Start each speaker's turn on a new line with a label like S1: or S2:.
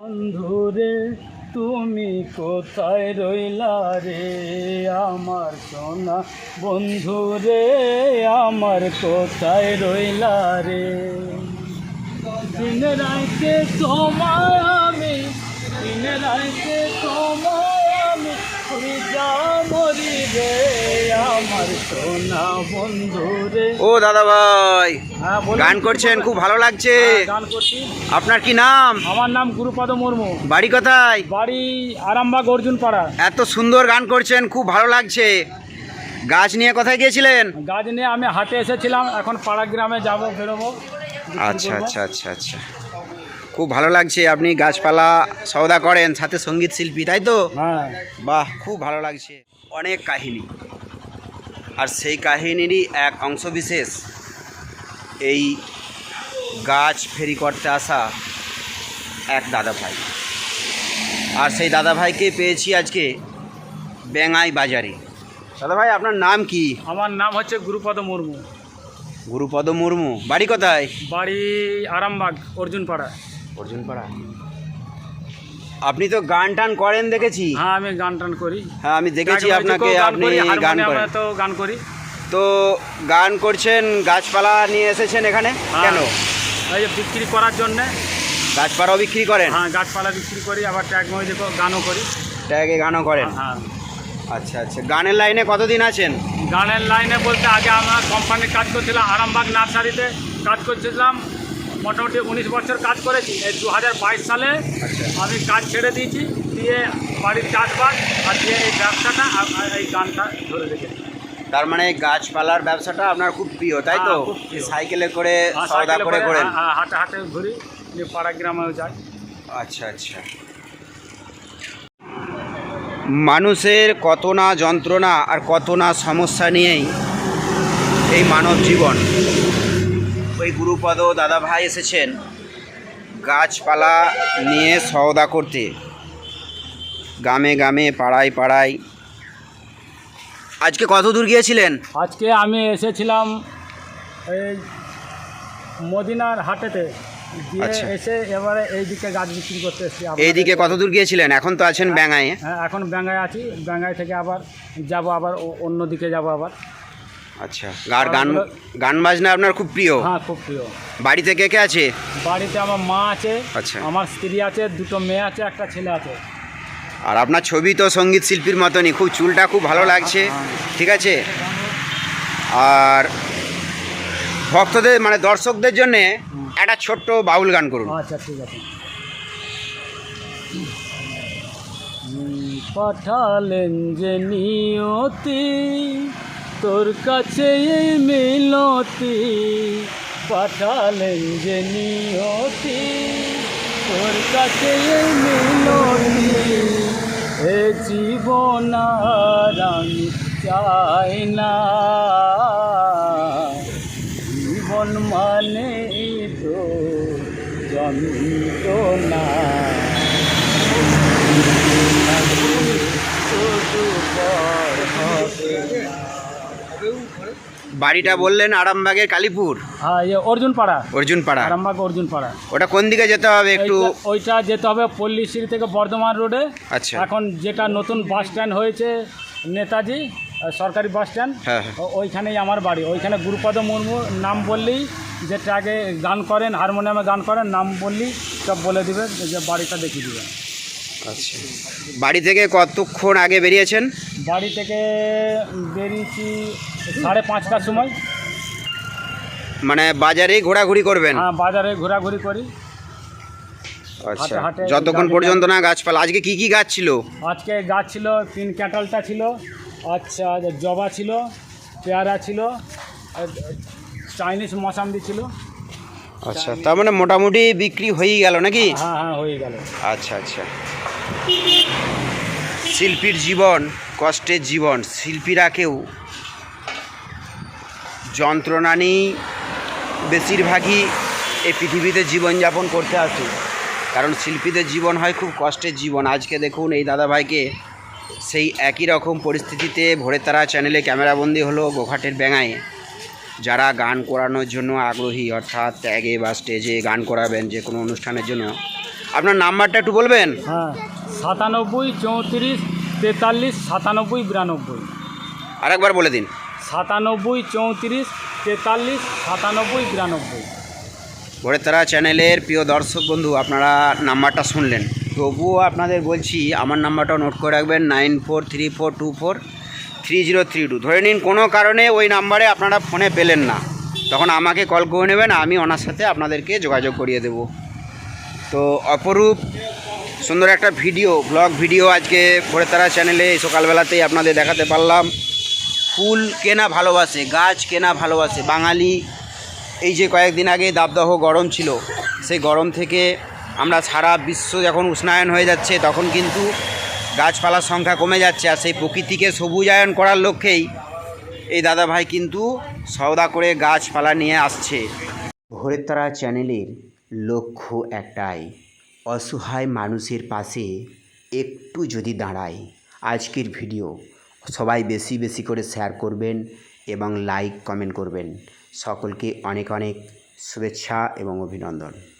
S1: বন্ধুরে তুমি কোথায় রইলা রে আমার সোনা বন্ধুরে আমার কোথায় রইলা রে দিন রাইতে তোমায় আমি দিন রাইতে তোমায় আমি যা মরি রে আমার সোনা বন্ধুরে।
S2: ও দাদা ভাই,
S1: হ্যাঁ
S2: গান করছেন, খুব ভালো লাগছে।
S1: গান করছি।
S2: আপনার কি নাম?
S1: আমার নাম গুরুপদ মুর্মু।
S2: বাড়ি কোথায়?
S1: বাড়ি আরামবাগ অর্জুনপাড়া।
S2: এত সুন্দর গান করছেন, খুব ভালো লাগছে। গাছ নিয়ে কোথায় গিয়েছিলেন?
S1: গাছ নিয়ে আমি হাটে এসেছিলাম, এখন পাড়া গ্রামে যাব, বেরোবো।
S2: আচ্ছা আচ্ছা আচ্ছা আচ্ছা, খুব ভালো লাগছে। আপনি গাছপালা সওদা করেন, সাথে সঙ্গীত শিল্পী, তাই তো?
S1: হ্যাঁ।
S2: বাহ, খুব ভালো লাগছে। অনেক কাহিনী, আর সেই কাহিনীরই এক অংশবিশেষ এই গাছ ফেরি করতে আসা এক দাদা ভাই। আর সেই দাদা ভাইকে পেয়েছি আজকে বেঙ্গাই বাজারে। দাদা ভাই, আপনার নাম কি?
S1: আমার নাম হচ্ছে গুরুপদ মুর্মু।
S2: গুরুপদ মুর্মু। বাড়ি কোথায়?
S1: বাড়ি আরামবাগ অর্জুনপাড়া।
S2: অর্জুনপাড়া। আপনি তো গান টান করেন দেখেছি।
S1: হ্যাঁ, আমি গান টান করি।
S2: হ্যাঁ, আমি দেখেছি আপনাকে, আপনি গান করেন।
S1: তো গান করি।
S2: তো গান করছেন, গাছপালা নিয়ে এসেছেন এখানে কেন?
S1: এই যে বিক্রি করার জন্যে।
S2: গাছপালাও বিক্রি করেন?
S1: হ্যাঁ, গাছপালা বিক্রি করি, আবার ট্যাগ মধ্যে গানও করি।
S2: ট্যাগে গানও করেন?
S1: হ্যাঁ।
S2: আচ্ছা আচ্ছা, গানের লাইনে কতদিন আছেন?
S1: গানের লাইনে বলতে আগে আমরা কোম্পানির কাজ করছিলাম, আরামবাগ নার্সারিতে কাজ করছিলাম, মোটামুটি 19 বছর কাজ করেছি। এই 2022 সালে আমি কাজ ছেড়ে দিয়েছি, দিয়ে বাড়ির চাষবাস আর দিয়ে এই ব্যবসাটা এই গানটা ধরে রেখেছি।
S2: তার মানে গাছপালার ব্যবসাটা আপনার খুব প্রিয়, তাই তো? সাইকেলে করে সওদা করে করেন?
S1: হাটে হাটে ঘুরি, পাড়া গ্রামেও যাই।
S2: আচ্ছা আচ্ছা। মানুষের কত না যন্ত্রণা আর কত না সমস্যা নিয়েই এই মানব জীবন। ওই গুরুপদ দাদা ভাই এসেছেন গাছপালা নিয়ে সওদা করতে, গ্রামে গ্রামে পাড়ায় পাড়ায়। আজকে কত দূর গিয়েছিলেন?
S1: আজকে আমি এসেছিলাম এই মদিনার হাটেতে, দিয়ে এসে এবারে এইদিকে গাছ বিক্রি করতে এসেছি।
S2: এইদিকে কত দূর গিয়েছিলেন? এখন তো আছেন ব্যাঙ্গায়।
S1: হ্যাঁ, এখন ব্যাঙ্গায় আছি। ব্যাঙ্গায় থেকে আবার যাব, আবার অন্য দিকে যাব আবার।
S2: আচ্ছা, আর গান বাজনা আপনার খুব প্রিয়?
S1: হ্যাঁ, খুব প্রিয়।
S2: বাড়িতে কে কে আছে?
S1: বাড়িতে আমার মা আছে,
S2: আচ্ছা,
S1: আমার স্ত্রী আছে, 2টো মেয়ে আছে, একটা ছেলে আছে।
S2: আর আপনার ছবি তো সঙ্গীত শিল্পীর মতনই, খুব চুলটা খুব ভালো লাগছে। ঠিক আছে, আর ভক্তদের মানে দর্শকদের জন্য একটা ছোট্ট বাউল গান করুন।
S1: আচ্ছা, ঠিক আছে। পাঠালেন যে নিয়তি তোর কাছে এই মিলতি, পাঠালেন যে নিয়তি তোর কাছে এই মিলতি, এ জীবন আর আমি চাই না, জীবন মানে তো যন্ত্রণা।
S2: বাড়িটা বললেন আরামবাগের কালীপুর?
S1: হ্যাঁ, অর্জুনপাড়া।
S2: অর্জুনপাড়া,
S1: আরামবাগ অর্জুনপাড়া।
S2: ওটা কোন দিকে যেতে হবে একটু?
S1: ওইটা যেতে হবে পল্লীশ্রী থেকে বর্ধমান রোডে।
S2: আচ্ছা,
S1: এখন যেটা নতুন বাস স্ট্যান্ড হয়েছে নেতাজি সরকারি বাস স্ট্যান্ড,
S2: হ্যাঁ,
S1: ওইখানেই আমার বাড়ি। ওইখানে গুরুপদ মুর্মু নাম বললেই, যেটা আগে গান করেন, হারমোনিয়ামে গান করেন, নাম বললেই সব বলে দেবে, যে বাড়িটা দেখিয়ে দেবে।
S2: আচ্ছা, বাড়ি থেকে কতক্ষণ আগে বেরিয়েছেন?
S1: বাড়ি থেকে বেরিয়েছি 5:30টার সময়।
S2: মানে বাজারেই ঘোরাঘুরি করবেন?
S1: হ্যাঁ, বাজারে ঘোরাঘুরি করি।
S2: আচ্ছা,
S1: হাটে
S2: যতক্ষণ পর্যন্ত না গাছপালা। আজকে কি কি গাছ ছিল?
S1: আজকে গাছ ছিল 3 ক্যাটালটা ছিল, আচ্ছা জবা ছিল, পেয়ারা ছিল, চাইনিজ মৌসাম্বি ছিল।
S2: আচ্ছা, তার মানে মোটামুটি বিক্রি হয়েই গেল নাকি?
S1: হ্যাঁ হ্যাঁ, হয়ে গেল।
S2: আচ্ছা আচ্ছা। শিল্পীর জীবন কষ্টের জীবন। শিল্পীরা কেউ যন্ত্রণা নিয়েই বেশিরভাগই এই পৃথিবীতে জীবনযাপন করতে আসে, কারণ শিল্পীদের জীবন হয় খুব কষ্টের জীবন। আজকে দেখুন এই দাদাভাইকে সেই একই রকম পরিস্থিতিতে ভোরের তারা চ্যানেলে ক্যামেরাবন্দি হলো গোঘাটের ব্যাঙায়। যারা গান করানোর জন্য আগ্রহী, অর্থাৎ ট্যাগে বা স্টেজে গান করাবেন যে কোনো অনুষ্ঠানের জন্য, আপনার নাম্বারটা একটু বলবেন?
S1: হ্যাঁ, 97 34 43 97 92।
S2: আরেকবার বলে দিন।
S1: 97 34 43 97 92।
S2: ভোরের তারা চ্যানেলের প্রিয় দর্শক বন্ধু, আপনারা নাম্বারটা শুনলেন, তবুও আপনাদের বলছি আমার নাম্বারটাও নোট করে রাখবেন 9434243032। ধরে নিন কোনো কারণে ওই নাম্বারে আপনারা ফোনে পেলেন না, তখন আমাকে কল করে নেবেন, আমি ওনার সাথে আপনাদেরকে যোগাযোগ করিয়ে দেব। তো অপরূপ সুন্দর একটা ব্লগ ভিডিও আজকে ভোরের তারা চ্যানেলে এই সকালবেলাতেই আপনাদের দেখাতে পারলাম। ফুল কেনা ভালোবাসে, গাছ কেনা ভালোবাসে বাঙালি। এই যে কয়েকদিন আগে দাবদাহ গরম ছিল, সেই গরম থেকে আমরা সারা বিশ্ব যখন উষ্ণায়ন হয়ে যাচ্ছে, তখন কিন্তু গাছপালার সংখ্যা কমে যাচ্ছে। আর সেই প্রকৃতিকে সবুজায়ন করার লক্ষ্যেই এই দাদাভাই কিন্তু সওদা করে গাছপালা নিয়ে আসছে। ভোরের তারা চ্যানেলের লক্ষ্য একটাই, অসহায় মানুষের পাশে একটু যদি দাঁড়ায়। আজকের ভিডিও সবাই বেশি বেশি করে শেয়ার করবেন এবং লাইক কমেন্ট করবেন। সকলকে অনেক অনেক শুভেচ্ছা এবং অভিনন্দন।